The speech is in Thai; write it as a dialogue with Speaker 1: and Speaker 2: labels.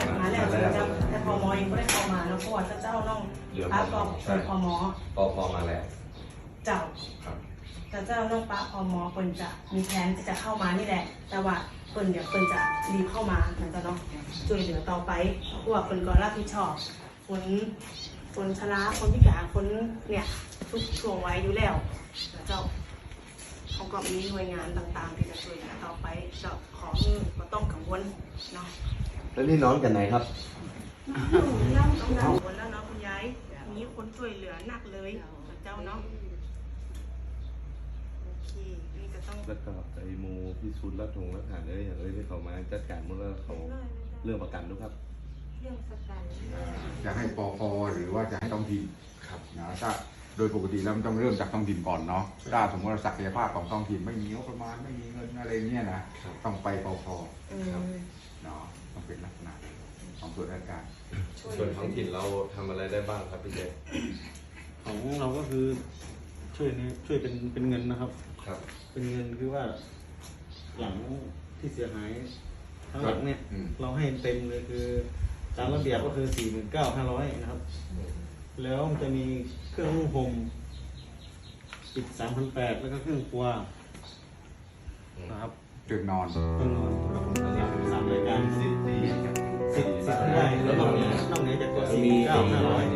Speaker 1: มาแล้วแต่พมเองก็ได้เข้ามาแล้วเพราะว่าเจ้าน้องป้าก็เป็นพม
Speaker 2: พอมาแล้ว
Speaker 1: เจ้าแต่เจ้าน้องป้าพมเปิ้นจะมีแผนจะเข้ามานี่แหละแต่ว่าเปิ้นเดี๋ยวเปิ้นจะรีบเข้ามาเหมือนกันเนาะช่วยเหลือต่อไปเพราะว่าเปิ้นก็รับผิดชอบคนชราคนพิการคนเนี่ยทุกช่วงวัยอยู่แล้วเจ้าเขาก็มีหน่วยงานต่างๆที่จะช่วยเหลือต่อไปเจ้าของก็ต้องกังวลเนาะ
Speaker 2: แล้วนี่น้องจากไหนครับ
Speaker 1: น้องกังวลแล้วเนาะคุณยายมีคนช่วยเหลือหนักเลยเจ้าเนาะโอเคนี่ก็ต้อง
Speaker 3: แล้วก็ไอ้โมพิสูจน์รัฐหารเลยอย่างที่เขามาจัดการหมดแล้วเขาเรื่องประกันด้วยครับ
Speaker 1: เรื่องประกัน
Speaker 4: จะให้ปคหรือว่าจะให้ท้องถิ่นครับนะถ้าโดยปกติแล้วมันต้องเริ่มจากท้องถิ่นก่อนเนาะถ้าสมมติว่าศักยภาพของท้องถิ่นไม่มีงบประมาณไม่มีเงินอะไรเงี้ยนะต้องไปปคเนาะต้องเป็นลักษณะของส่วนราชการ
Speaker 2: ส่วนท้องถิ่นเราทำอะไรได้บ้างครับพี่เจ
Speaker 3: ของเราก็คือช่วยเป็นเงินนะครับ
Speaker 2: ครับ
Speaker 3: เป็นเงินคือว่าหลังที่เสียหายทั้งหลังเนี่ยเราให้เต็มเลยคือตามระเบียบก็คือ 49,500 นะครับแล้วมันจะมีเครื่องนุ่งห่มอีก 3,800 แล้วก็เครื่องครัวนะครับ
Speaker 4: เตียงนอน
Speaker 3: 3 รายการ10 ได้แล้วนอกเหนือจากตัว 49,500